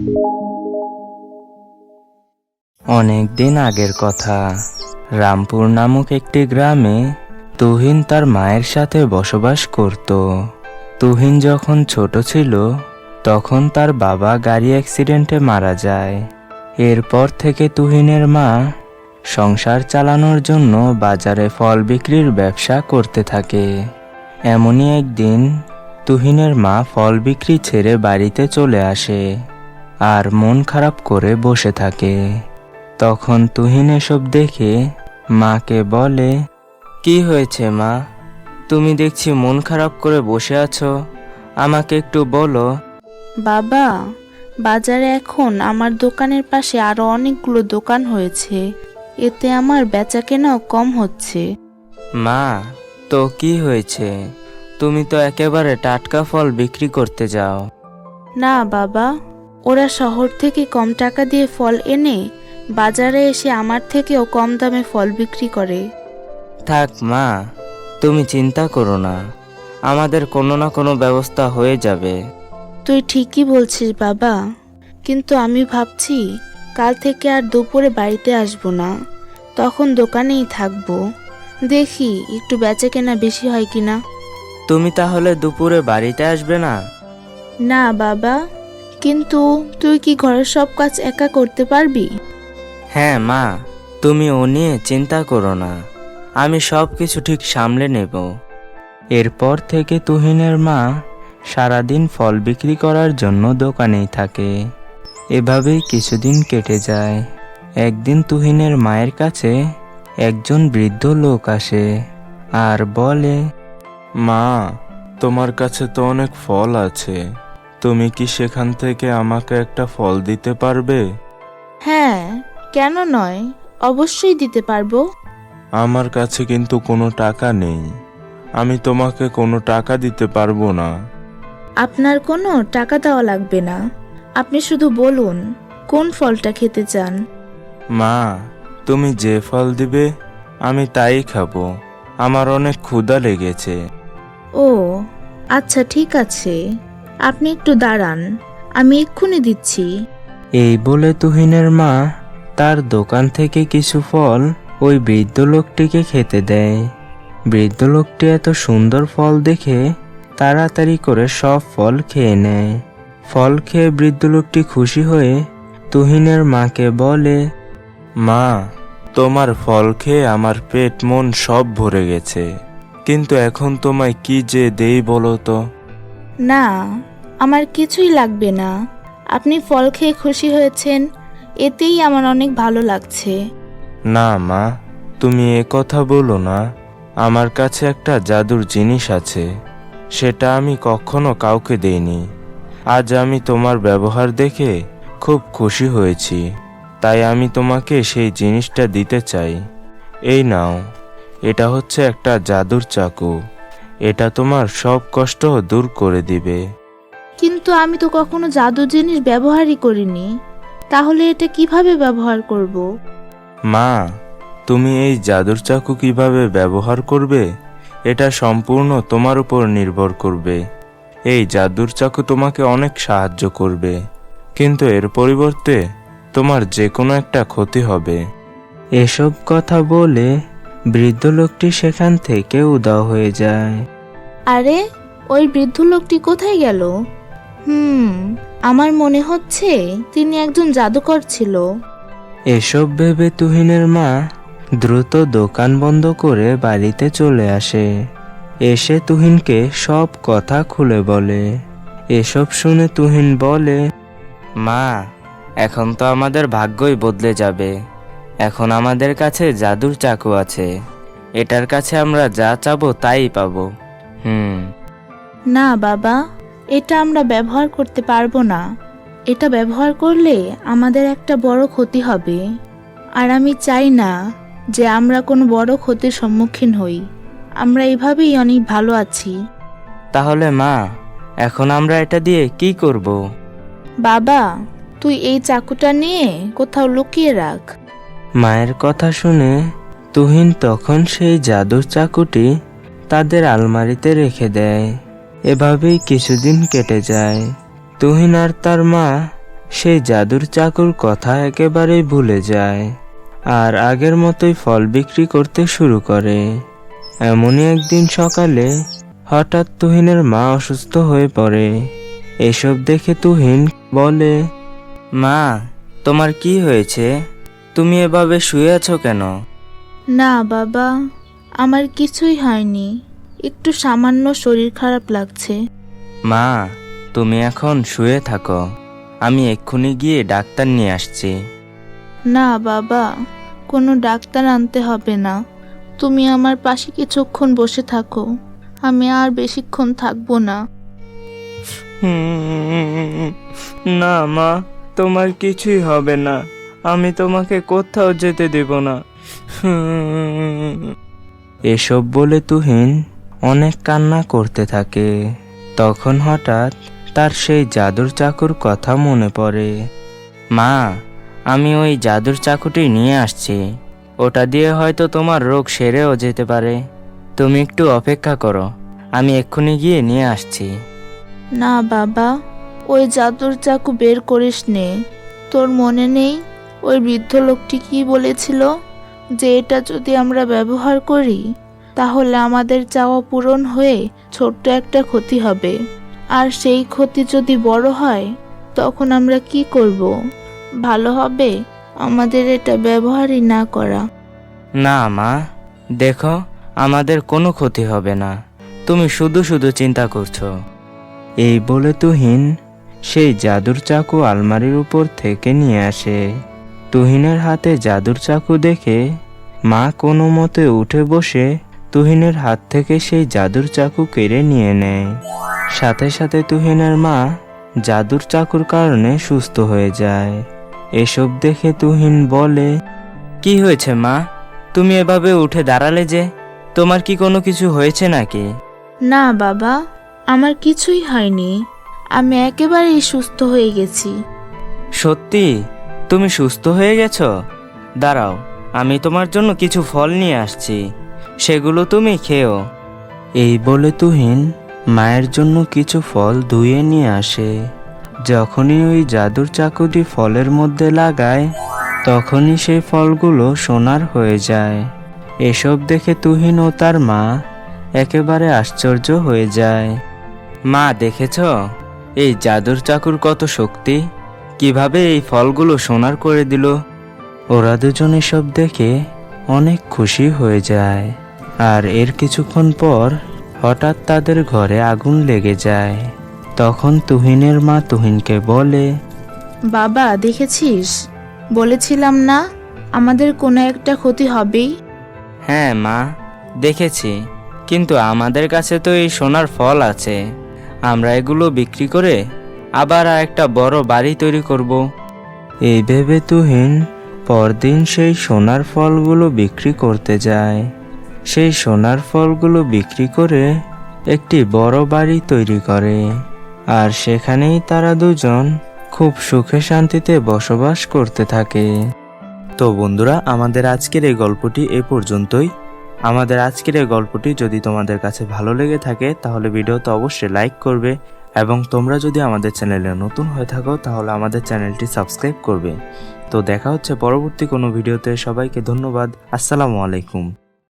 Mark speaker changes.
Speaker 1: অনেক দিন আগের কথা। রামপুর নামক একটি গ্রামে তুহিন তার মায়ের সাথে বসবাস করত। তুহিন যখন ছোট ছিল তখন তার বাবা গাড়ি অ্যাক্সিডেন্টে মারা যায়। এরপর থেকে তুহিনের মা সংসার চালানোর জন্য বাজারে ফল বিক্রির ব্যবসা করতে থাকে। এমনই একদিন তুহিনের মা ফল বিক্রি ছেড়ে বাড়িতে চলে আসে আর মন খারাপ করে বসে থাকে। তখন তুহিন এসব দেখে মাকে বলে, কি হয়েছে মা, তুমি দেখছি মন খারাপ করে বসে আছো, আমাকে একটু বলো।
Speaker 2: বাবা, বাজারে এখন আমার দোকানের পাশে আরো অনেকগুলো দোকান হয়েছে, এতে আমার বেচাকেনাও কম হচ্ছে।
Speaker 1: মা, তো কি হয়েছে? তুমি তো একেবারে টাটকা ফল বিক্রি করতে যাও।
Speaker 2: না বাবা, ওরা শহর থেকে কম টাকা দিয়ে ফল এনে বাজারে এসে আমার থেকেও কম দামে ফল বিক্রি করে।
Speaker 1: থাক মা, তুমি চিন্তা করো না, আমাদের কোনো না কোনো ব্যবস্থা হয়ে যাবে।
Speaker 2: তুই ঠিকই বলছিস বাবা, কিন্তু আমি ভাবছি কাল থেকে আর দুপুরে বাড়িতে আসবো না, তখন দোকানেই থাকবো। দেখি একটু বেচাকেনা বেশি হয় কিনা।
Speaker 1: তুমি তাহলে দুপুরে বাড়িতে আসবে না?
Speaker 2: না বাবা, কিন্তু তুই কি ঘরের সব কাজ একা করতে পারবি?
Speaker 1: হ্যাঁ মা, তুমি ও নিয়ে চিন্তা করো না, আমি সব কিছু ঠিক সামলে নেব। এরপর থেকে তুহিনের মা সারাদিন ফল বিক্রি করার জন্য দোকানেই থাকে। এভাবেই কিছুদিন কেটে যায়। একদিন তুহিনের মায়ের কাছে একজন বৃদ্ধ লোক আসে আর বলে,
Speaker 3: মা, তোমার কাছে তো অনেক ফল আছে, তুমি কি সেখান থেকে আমাকে একটা ফল দিতে পারবে?
Speaker 2: হ্যাঁ, কেন নয়, অবশ্যই দিতে পারবো।
Speaker 3: আমার কাছে কিন্তু কোনো টাকা নেই, আমি তোমাকে কোনো টাকা দিতে পারবো না।
Speaker 2: আপনার কোনো টাকা দেওয়া লাগবে না, আপনি শুধু বলুন কোন ফলটা খেতে চান।
Speaker 3: মা, তুমি যে ফল দিবে আমি তাই খাবো, আমার অনেক ক্ষুধা লেগেছে।
Speaker 2: ও আচ্ছা, ঠিক আছে, আপনি একটু দাঁড়ান, আমি এক্ষুনি দিচ্ছি।
Speaker 1: এই বলে তুহিনের মা তার দোকান থেকে কিছু ফল ওই বৃদ্ধ লোকটিকে খেতে দেয়। বৃদ্ধ লোকটি এত সুন্দর ফল দেখে তাড়াতাড়ি করে সব ফল খেয়ে নেয়। ফল খেয়ে বৃদ্ধ লোকটি খুশি হয়ে তুহিনের মাকে বলে,
Speaker 3: মা, তোমার ফল খেয়ে আমার পেট মন সব ভরে গেছে, কিন্তু এখন তোমায় কি যে দেই বলো তো?
Speaker 2: না, আমার কিছুই লাগবে না, আপনি ফল খেয়ে খুশি হয়েছেন, এতেই আমার অনেক ভালো লাগছে।
Speaker 3: না মা, তুমি এ কথা বলো না, আমার কাছে একটা জাদুর জিনিস আছে, সেটা আমি কখনো কাউকে দেইনি। আজ আমি তোমার ব্যবহার দেখে খুব খুশি হয়েছি, তাই আমি তোমাকে সেই জিনিসটা দিতে চাই। এই নাও, এটা হচ্ছে একটা জাদুর চাকু, এটা তোমার সব কষ্ট দূর করে দিবে।
Speaker 2: কিন্তু আমি তো কখনো জাদু জিনিস ব্যবহারই করিনি, তাহলে এটা কিভাবে ব্যবহার করব?
Speaker 3: মা, তুমি এই জাদুর চাকু কিভাবে ব্যবহার করবে এটা সম্পূর্ণ তোমার উপর নির্ভর করবে। এই জাদুর চাকু তোমাকে অনেক সাহায্য করবে, কিন্তু এর পরিবর্তে তোমার যে কোনো একটা ক্ষতি হবে।
Speaker 1: এসব কথা বলে বৃদ্ধ লোকটি সেখান থেকে উধাও হয়ে যায়।
Speaker 2: আরে, ওই বৃদ্ধ লোকটি কোথায় গেল? আমার মনে হচ্ছে তিনি একজন জাদুকর ছিল।
Speaker 1: এসব ভেবে তুহিনের মা দ্রুত দোকান বন্ধ করে বাড়িতে চলে আসে। এসে তুহিনকে সব কথা খুলে বলে। এসব শুনে তুহিন বলে, মা, এখন তো আমাদের ভাগ্যই বদলে যাবে। এখন আমাদের কাছে জাদুর চাকু আছে, এটার কাছে আমরা যা চাবো তাই পাবো।
Speaker 2: না বাবা, এটা আমরা ব্যবহার করতে পারবো না, এটা ব্যবহার করলে আমাদের একটা বড় ক্ষতি হবে, আর আমি চাই না যে আমরা কোনো বড় ক্ষতির সম্মুখীন হই। আমরা এভাবেই অনেক ভালো আছি।
Speaker 1: তাহলে মা, এখন আমরা এটা দিয়ে কি করব?
Speaker 2: বাবা, তুই এই চাকুটা নিয়ে কোথাও লুকিয়ে রাখ।
Speaker 1: মায়ের কথা শুনে তুহিন তখন সেই জাদুর চাকুটি তাদের আলমারিতে রেখে দেয়। এভাবেই কিছুদিন কেটে যায়। তুহিন আর তার মা সেই জাদুর চাকুর কথা একেবারেই ভুলে যায় আর আগের মতোই ফল বিক্রি করতে শুরু করে। এমনই একদিন সকালে হঠাৎ তুহিনের মা অসুস্থ হয়ে পড়ে। এসব দেখে তুহিন বলে, মা, তোমার কি হয়েছে? তুমি এভাবে শুয়ে আছো কেন?
Speaker 2: না বাবা, আমার কিছুই হয়নি, একটু সামান্য শরীর খারাপ লাগছে।
Speaker 1: মা, তুমি এখন শুয়ে থাকো, আমি এক্ষুনি গিয়ে ডাক্তার নিয়ে আসছি।
Speaker 2: না বাবা, কোনো ডাক্তার আনতে হবে না, তুমি আমার পাশে কিছুক্ষণ বসে থাকো, আমি আর বেশিক্ষণ থাকবো না।
Speaker 1: না মা, তোমার কিছুই হবে না, আমি তোমাকে কোথাও যেতে দেব না। এসব বলে তুহিন অনেক কান্না করতে থাকে। তখন হঠাৎ তার সেই জাদুর চাকুর কথা মনে পড়ে। মা, আমি ওই জাদুর চাকুটি নিয়ে আসছি, ওটা দিয়ে হয়তো তোমার রোগ সেরেও যেতে পারে। তুমি একটু অপেক্ষা করো, আমি এক্ষুনি গিয়ে নিয়ে আসছি।
Speaker 2: না বাবা, ওই জাদুর চাকু বের করিস নে। তোর মনে নেই ওই বৃদ্ধ লোকটি কি বলেছিল, যে এটা যদি আমরা ব্যবহার করি তাহলে আমাদের চাওয়া পূরণ হয়ে ছোট্ট একটা ক্ষতি হবে, আর সেই ক্ষতি যদি বড় হয় তখন আমরা কি করব? ভালো হবে আমাদের এটা ব্যবহারই না করা।
Speaker 1: না মা, দেখো, আমাদের কোনো ক্ষতি হবে না, তুমি শুধু শুধু চিন্তা করছো। এই বলে তুহিন সেই জাদুর চাকু আলমারির উপর থেকে নিয়ে আসে। তুহিনের হাতে জাদুর চাকু দেখে মা কোনো মতে উঠে বসে তুহিনের হাত থেকে সেই জাদুর চাকু কেড়ে নিয়ে নেয়। সাথে সাথে তুহিনের মা জাদুর চাকুর কারণে সুস্থ হয়ে যায়। এসব দেখে তুহিন বলে, কি হয়েছে মা, তুমি এভাবে উঠে দাঁড়ালে যে? তোমার কি কোনো কিছু হয়েছে নাকি?
Speaker 2: না বাবা, আমার কিছুই হয়নি, আমি একেবারেই সুস্থ হয়ে গেছি।
Speaker 1: সত্যি তুমি সুস্থ হয়ে গেছো? দাঁড়াও, আমি তোমার জন্য কিছু ফল নিয়ে আসছি, সেগুলো তুমি খেও। এই বলে তুহিন মায়ের জন্য কিছু ফল ধুয়ে নিয়ে আসে। যখনই ওই জাদুর চাকুটি ফলের মধ্যে লাগায় তখনই সেই ফলগুলো সোনার হয়ে যায়। এসব দেখে তুহিন ও তার মা একেবারে আশ্চর্য হয়ে যায়। মা, দেখেছো এই জাদুর চাকুর কত শক্তি, কিভাবে এই ফলগুলো সোনার করে দিল? ওরা দুজন এসব দেখে অনেক খুশি হয়ে যায়। আর এর কিছুক্ষণ পর হঠাৎ তাদের ঘরে আগুন লেগে যায়। তখন তুহিনের মা তুহিনকে বলে,
Speaker 2: বাবা দেখেছিস, বলেছিলাম না আমাদের কোনো একটা ক্ষতি হবেই।
Speaker 1: হ্যাঁ মা, দেখেছি, কিন্তু আমাদের কাছে তো এই সোনার ফল আছে, আমরা এগুলো বিক্রি করে আবার একটা বড় বাড়ি তৈরি করব। এই ভেবে তুহিন পরদিন সেই সোনার ফলগুলো বিক্রি করতে যায়। সেই সোনার ফলগুলো বিক্রি করে একটি বড় বাড়ি তৈরি করে, আর সেখানেই তারা দুজন খুব সুখে শান্তিতে বসবাস করতে থাকে। তো বন্ধুরা, আমাদের আজকের এই গল্পটি এ পর্যন্তই। আমাদের আজকের এই গল্পটি যদি তোমাদের কাছে ভালো লেগে থাকে তাহলে ভিডিওতে অবশ্যই লাইক করবে, এবং তোমরা যদি আমাদের চ্যানেলে নতুন হয়ে থাকো তাহলে আমাদের চ্যানেলটি সাবস্ক্রাইব করবে। তো দেখা হচ্ছে পরবর্তী কোনো ভিডিওতে। সবাইকে ধন্যবাদ। আসসালামু আলাইকুম।